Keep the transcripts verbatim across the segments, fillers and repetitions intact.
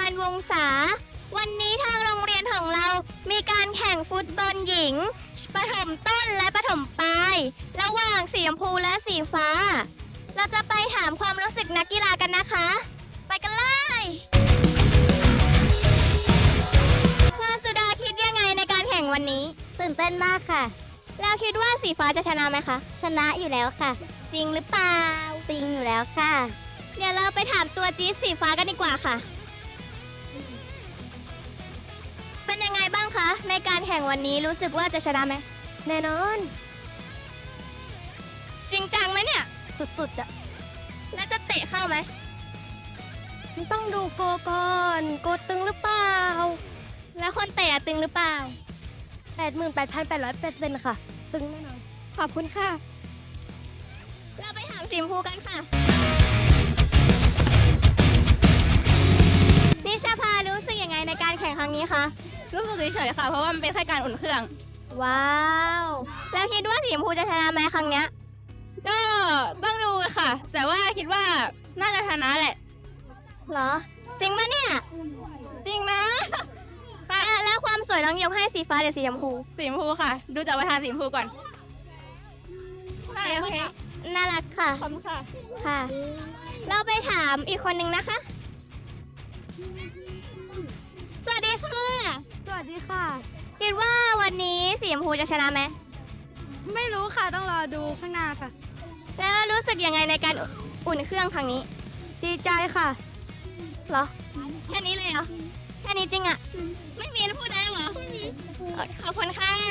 านวงศาวันนี้ทางโรงเรียนของเรามีการแข่งฟุตบอลหญิงประถมต้นและประถมปลายระหว่างสีชมพูและสีฟ้า เราจะไปถามความรู้สึกนักกีฬากันนะคะ ไปกันเลยพาสุดาคิดยังไงในการแข่งวันนี้ตื่นเต้นมากค่ะแล้วคิดว่าสีฟ้าจะชนะไหมคะชนะอยู่แล้วค่ะจริงหรือเปล่าจริงอยู่แล้วค่ะเดี๋ยวเราไปถามตัวจี๊ดสีฟ้ากันดีกว่าค่ะเป็นยังไงบ้างคะในการแข่งวันนี้รู้สึกว่าจะชนะไหมแน่นอนจริงจังไหมเนี่ยสุดๆอะแล้วจะเตะเข้าไหมต้องดูโกก่อนโกตึงหรือเปล่าแล้วคนเตะตึงหรือเปล่าแปดหมื่นแปดพันแปดร้อยเปอร์เซ็นต์ ค่ะตึงแน่นอนขอบคุณค่ะเราไปถามสีชมพูกันค่ะนิชาภารู้สึกยังไงในการแข่งครั้งนี้คะรู้สึกเฉยๆค่ะเพราะว่ามันเป็นแค่การอุ่นเครื่องว้าวแล้วคิดว่าสีชมพูจะชนะไหมครั้งเนี้ยก็ต้องดูค่ะ แต่ว่าคิดว่าน่าจะชนะแหละเหรอจริงปะเนี่ยจริงนะค่ะแล้วความสวยต้องยกให้สีฟ้าหรือสีชมพูสีชมพูค่ะดูจากประธานสีชมพูก่อนโอเคน่ารักค่ะขอบคุณค่ะค่ะเราไปถามอีกคนนึงนะคะสวัสดีค่ะสวัสดีค่ะคิดว่าวันนี้สีชมพูจะชนะไหมไม่รู้ค่ะต้องรอดูข้างหน้าค่ะแล้วรู้สึกยังไงในการอุ่นเครื่องครั้งนี้ดีใจค่ะเหรอแค่นี้เลยเหรอแค่นี้จริงอะไม่มีแล้วพูดได้เหรอขอบคุณค่ะ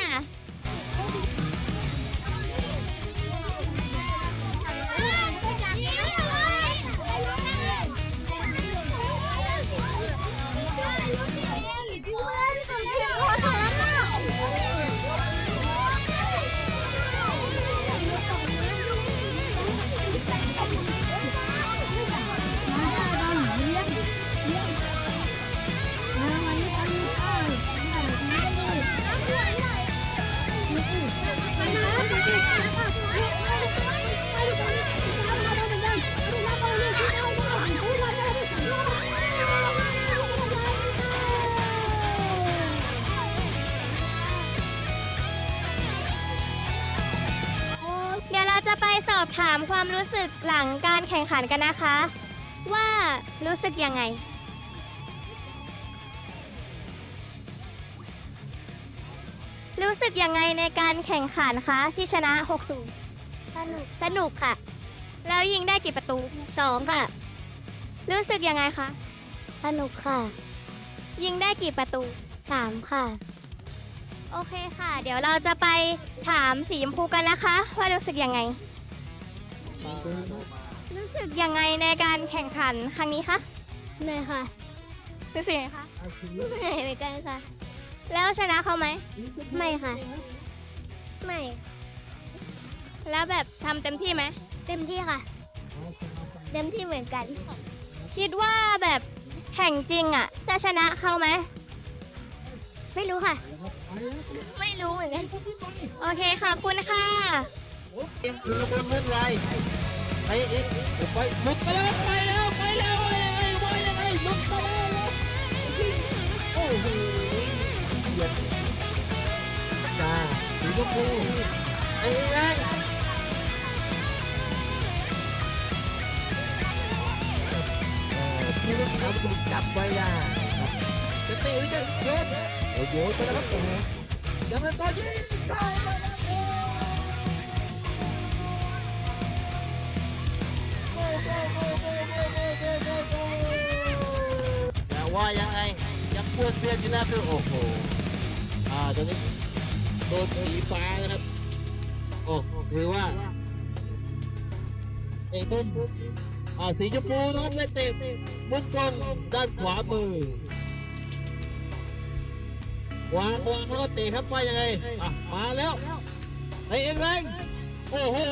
จะไปสอบถามความรู้สึกหลังการแข่งขันกันนะคะว่ารู้สึกยังไงรู้สึกยังไงในการแข่งขันคะที่ชนะ หกศูนย์สนุกสนุกค่ะแล้วยิงได้กี่ประตูสองค่ะรู้สึกยังไงคะสนุกค่ะยิงได้กี่ประตูสามค่ะโอเคค่ะเดี๋ยวเราจะไปถามสีชมพูกันนะคะว่ารู้สึกยังไงรู้สึกยังไงในการแข่งขันครั้งนี้คะเหนื่อยค่ะรู้สึกยังไงคะเหนื่อยเหมือนกันค่ะแล้วชนะเขาไหมไม่ค่ะไม่แล้วแบบทำเต็มที่ไหมเต็มที่ค่ะเต็มที่เหมือนกันคิดว่าแบบแข่งจริงอ่ะจะชนะเขาไหมไม่รู้ค่ะไม่รู้เหมือนกันโอเคขอบคุณค่ะเอ็งคือบนมุดไรไปเอ็งไปมุดไปแล้วไปแล้วไปแล้วไปยังไงไปยังไงมุดไปแล้วโอ้โหเดือดจ้าสีชมพูไอ้เอ็งที่รถเขาถูกจับไว้ได้จะตีหรือจะโยนโอ้โหไปแล้วครับโอ้โหยังไม่ต่อยิงเข้าไปแล้วโอ้โหโอ้โหโอ้โหโอ้โหโอ้โหอย่าว่ายังไงยังปวดเสียอยู่นะคือโอ้โหอ่าตอนนี้โดนสีฟ้านะครับโอ้คือว่าเอ็งต้นอ่าสีชมพูนะครับเล่นเต็มมุมกล้องด้านขวามือวางวางแล้วก็เตะครับว่ายังไงอ่ะมาแล้วไอ้เอ็งแรงโอ้โห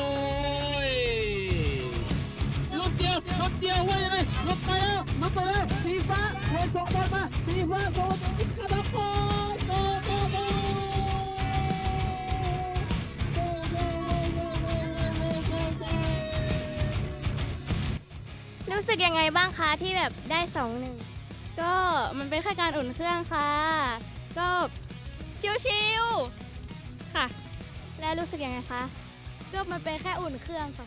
ลุกเดียวลุกเดียวว่ายังไงลุกไปแล้วลุกไปแล้วสีฟ้าโดนส่งบอลมาสีฟ้าโดนกระดับบอลโดนโดนโดนรู้สึกยังไงบ้างคะที่แบบได้สองหนึ่งก็มันเป็นแค่การอุ่นเครื่องค่ะ ก็ชิวๆค่ะแล้วรู้สึกยังไงคะก็มันเป็นแค่อุ่นเครื่องค่ะ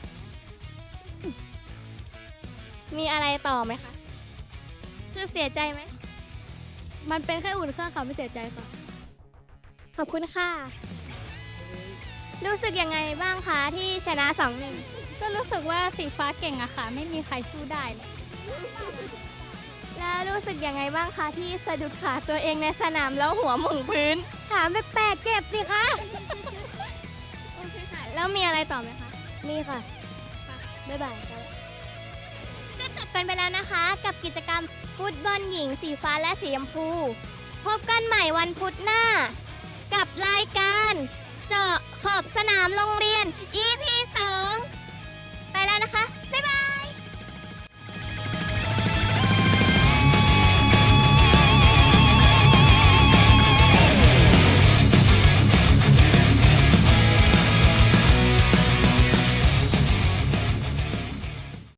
มีอะไรต่อไหมคะ คือเสียใจไหมมันเป็นแค่อุ่นเครื่องค่ะไม่เสียใจค่ะขอบคุณค่ะ รู้สึกยังไงบ้างคะที่ชนะสองหนึ่งก็รู้สึกว่าสีฟ้าเก่งอะค่ะ ไม่มีใครสู้ได้เลยแล้วรู้สึกยังไงบ้างคะที่สะดุดขาตัวเองในสนามแล้วหัวหม่งพื้น ถามแปลกๆเจ็บสิคะ โอเคค่ะ แล้วมีอะไรต่อไหมคะนี่ค่ะ บ๊ายบายครับก็จบกันไปแล้วนะคะ กับกิจกรรมฟุตบอลหญิงสีฟ้าและสีชมพู พบกันใหม่วันพุธหน้า กับรายการเจาะขอบสนามโรงเรียน อี พี สอง